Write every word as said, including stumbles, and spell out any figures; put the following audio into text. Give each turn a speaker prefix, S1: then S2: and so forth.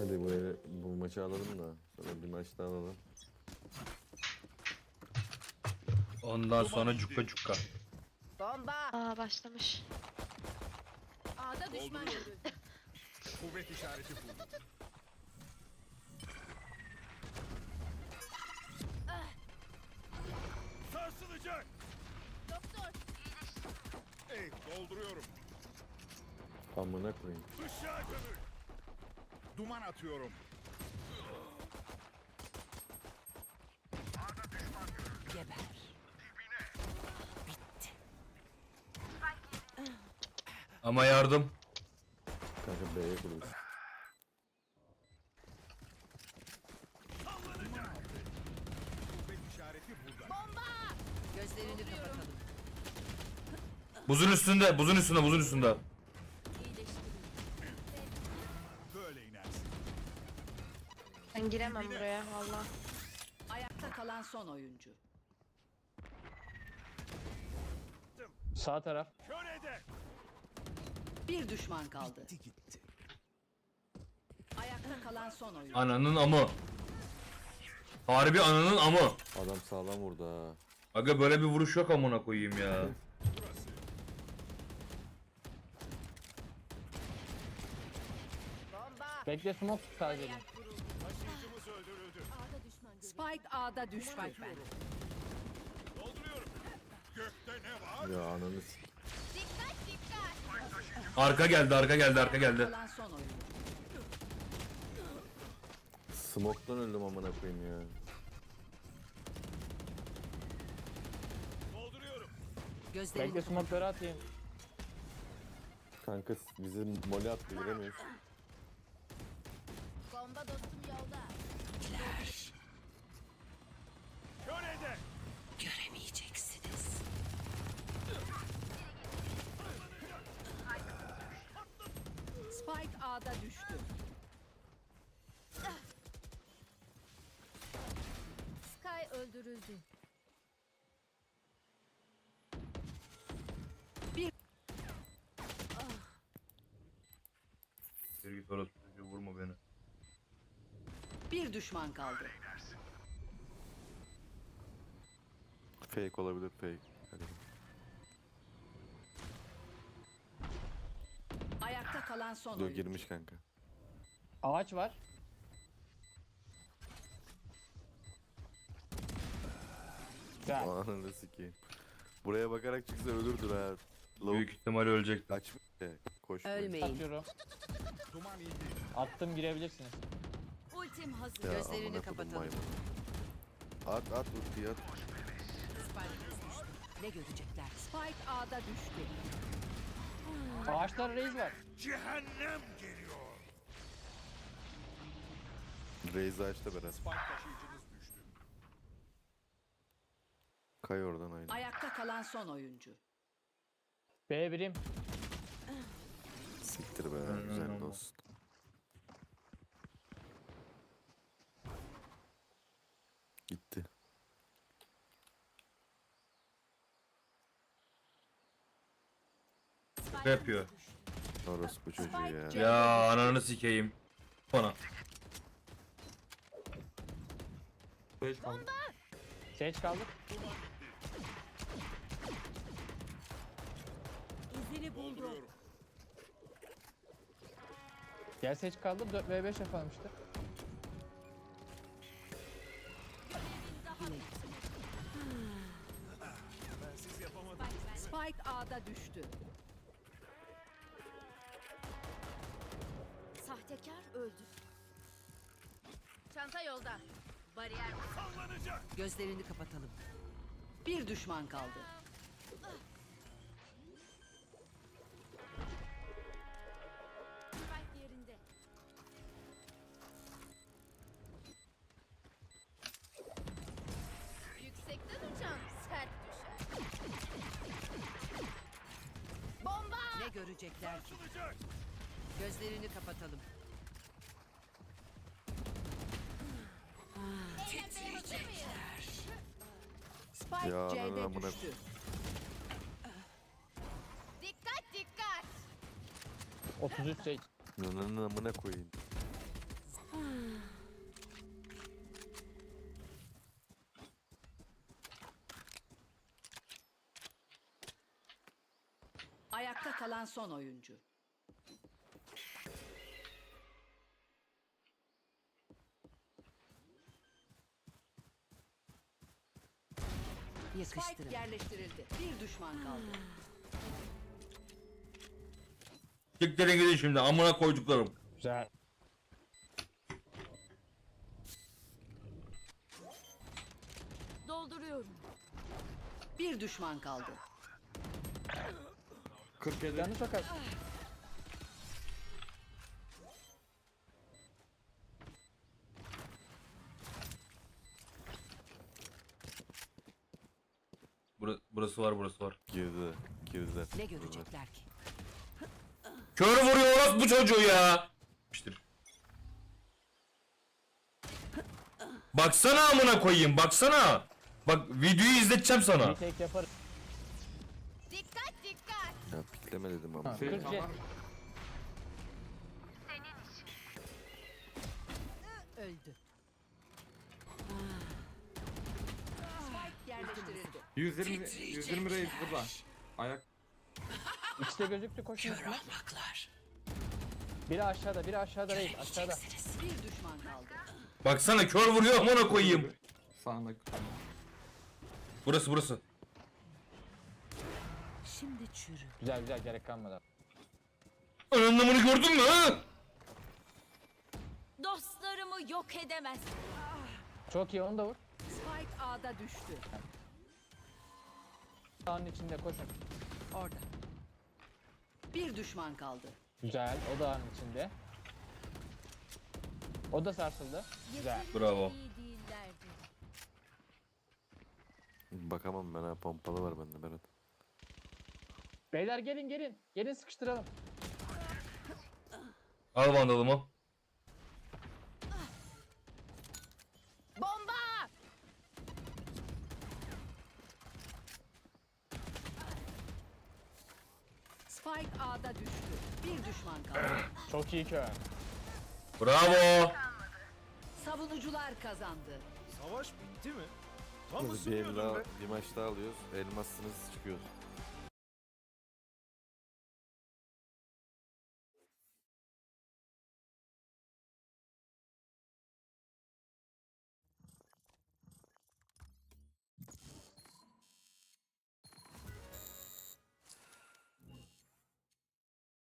S1: Hadi bu, ele- bu maçı alalım da sonra bir maç daha alalım.
S2: Ondan sonra cukka cukka.
S3: Bomba.
S4: Aa başlamış.
S3: A'da düşman görüldü.
S5: Kuvvet işareti bu. Sarsılacak.
S3: Doktor.
S5: Ey dolduruyorum.
S1: Amına koyayım.
S5: Işığa gömül. Duman atıyorum.
S3: Geber.
S2: Ama yardım.
S1: Kanka B'ye kuruyoruz.
S5: Kuvvet işareti burada.
S3: Gözlerini kapatalım.
S2: Buzun üstünde, buzun üstünde, buzun üstünde.
S5: Böyle inersin.
S4: Ben giremem buraya valla.
S3: Ayakta kalan son oyuncu.
S6: Sağ taraf.
S5: Kör eder.
S3: Bir düşman kaldı.
S5: Gitti gitti.
S3: Ayakta kalan son oyuncu.
S2: Ananın amı. Harbi ananın amı.
S1: Adam sağlam vurdu ha.
S2: Aga böyle bir vuruş yok amına koyayım ya.
S5: Burası.
S3: Bomba.
S6: Bekle smoke tut sadece.
S5: Taşıyıcımız öldürüldü.
S3: Spike A'da düştü.
S5: Dolduruyorum. Gökte ne var?
S1: Ya ananı s-
S2: Arka geldi, arka geldi, arka geldi.
S3: Kalan son oyuncu.
S1: Smoke'tan öldüm amına koyayım ya.
S5: Dolduruyorum.
S3: Gözlerini
S6: Bekle
S3: kapatalım.
S6: smoke'ları atayım.
S1: Kanka s- bizi mole attı giremiyoruz.
S3: Bomba dostum yolda.
S5: Kör eder.
S3: Göremeyeceksiniz. Spike A'da düştü.
S7: Sky öldürüldü.
S2: Bir git orası çocuğu, vurma beni.
S3: Bir düşman kaldı.
S1: Fake olabilir fake. Hadi.
S3: Ayakta kalan son
S1: Dur
S3: oyuncu.
S1: girmiş kanka.
S6: Ağaç var. Güzel.
S1: Ananı sikeyim. Buraya bakarak çıksa ölürdür ha. Lavuk
S2: Büyük ihtimalle ölecekti.
S1: kaçmış ya. Koşmuyor.
S3: Ölmeyin.
S6: Atıyorum.
S5: Duman indi.
S6: Attım girebilirsiniz.
S7: Ultim hazır.
S1: Ya,
S3: Gözlerini
S1: amına kodum
S3: kapatalım.
S1: maymun. At at ultiyi at.
S3: Ne görecekler? Spike A'da düştü.
S6: Ağaçlar reis var.
S5: Cehennem geliyor.
S1: Raze açtı biraz.
S5: Spike taşıyıcımız düştü.
S1: Kay oradan aynı.
S3: Ayakta kalan son oyuncu.
S6: B birim.
S1: Siktir be güzel olsun. Gitti.
S2: Ne yapıyor?
S1: Orası bu çocuğu ya.
S3: Spike
S2: Ya ananı sikeyim. Bana.
S6: Seç kaldık.
S7: İzini buldum.
S5: Dolduruyorum.
S6: Gel seç kaldım. dört ve beş yapalım işte.
S5: Siz yapamadınız.
S3: Spike A'da düştü.
S7: Sahtekar öldü. Çanta yolda. Bariyer
S5: Sallanacak.
S3: Gözlerini kapatalım. Bir düşman kaldı.
S7: Spike yerinde. Yüksekten uçan sert düşer. Bomba!
S3: Ne görecekler ki?
S5: Sarsılacak.
S3: Gözlerini kapatalım.
S7: Eğlenmeye hazır mıyız?
S3: Spike
S1: Ya,
S3: C'de
S1: amına-
S3: düştü.
S7: Dikkat dikkat!
S6: otuz üç seç.
S1: Nananın amına koyayım.
S3: Ayakta kalan son oyuncu. Spike yerleştirildi. Bir düşman kaldı.
S2: Siktirin gidin şimdi amına koyduklarım.
S6: Güzel.
S7: Dolduruyorum.
S3: Bir düşman kaldı.
S8: kırk yedi.
S6: Canı çok az.
S2: Bura- burası var burası var.
S1: Girdi. Girdi.
S3: Ne görecekler ki?
S2: Kör vuruyor orası bu çocuğu ya. İşte. Baksana amına koyayım baksana. Bak videoyu izleteceğim sana.
S6: Bir tek yaparız.
S7: Dikkat dikkat.
S1: Ya pikleme dedim ama.
S6: Ha,
S8: Şey,
S6: kırk jet.
S8: tamam.
S3: Öldü. Spike yerleştirildi.
S8: yüz yirmi yüz yirmi reis burada. Ayak.
S6: İkisi de gözüktü koşun üstüne. Biri aşağıda, biri aşağıda değil, aşağıda.
S3: Bir düşman kaldı.
S2: Baksana kör vuruyor amına koyayım.
S8: Sağında.
S2: Burası burası.
S3: Şimdi çürü.
S6: Güzel güzel gerek kalmadı.
S2: Anlamını gördün mü ha?
S7: Dostlarımı yok edemez.
S6: Çok iyi onu da vur.
S3: Spike A'da düştü.
S6: Sağın içinde koşun.
S3: Orada. Bir düşman kaldı.
S6: Güzel o da ağın içinde. O da sarsıldı. Güzel.
S2: Bravo.
S7: İyi değillerdi.
S1: Bakamam ben ha, pompalı var bende Berat.
S6: Beyler gelin gelin. Gelin sıkıştıralım.
S2: Al vandalımı.
S7: Bomba!
S3: Spike A'da düştü. Bir düşman kaldı.
S6: Çok iyi kör.
S2: Bravo.
S3: Savunucular kazandı.
S5: Savaş bitti mi? Tam
S1: Bir el
S5: ısınıyordum
S1: daha,
S5: be.
S1: bir maç daha alıyoruz. Elmassınız çıkıyoruz.